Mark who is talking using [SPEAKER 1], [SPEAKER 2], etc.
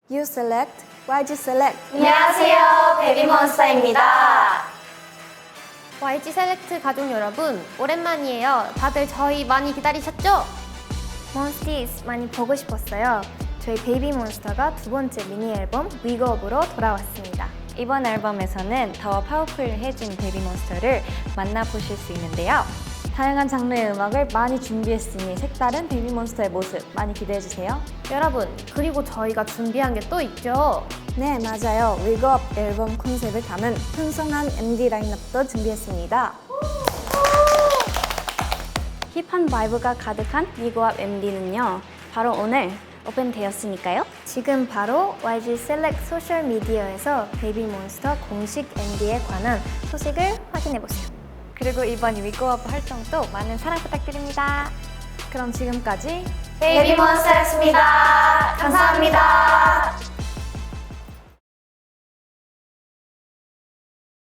[SPEAKER 1] You select, YG select.
[SPEAKER 2] 안녕하세요, 베이비몬스터입니다.
[SPEAKER 3] YG 셀렉트 가족 여러분, 오랜만이에요. 다들 저희 많이 기다리셨죠?
[SPEAKER 4] 몬스티스 많이 보고 싶었어요. 저희 베이비몬스터가 두 번째 미니 앨범 위거업으로 돌아왔습니다.
[SPEAKER 2] 이번 앨범에서는 더 파워풀해진 베이비몬스터를 만나보실 수 있는데요.
[SPEAKER 1] 다양한 장르의 음악을 많이 준비했으니 색다른 베이비몬스터의 모습 많이 기대해주세요.
[SPEAKER 3] 여러분, 그리고 저희가 준비한 게 또 있죠?
[SPEAKER 1] 네, 맞아요. 위거업 앨범 컨셉을 담은 풍성한 MD 라인업도 준비했습니다.
[SPEAKER 4] 힙한 바이브가 가득한 위거업 MD는요. 바로 오늘 오픈되었으니까요. 지금 바로 YG 셀렉트 소셜 미디어에서 베이비몬스터 공식 MD에 관한 소식을 확인해보세요.
[SPEAKER 2] 그리고 이번 위고업 활동도 많은 사랑 부탁드립니다.
[SPEAKER 1] 그럼 지금까지
[SPEAKER 2] 베이비몬스터였습니다. 감사합니다.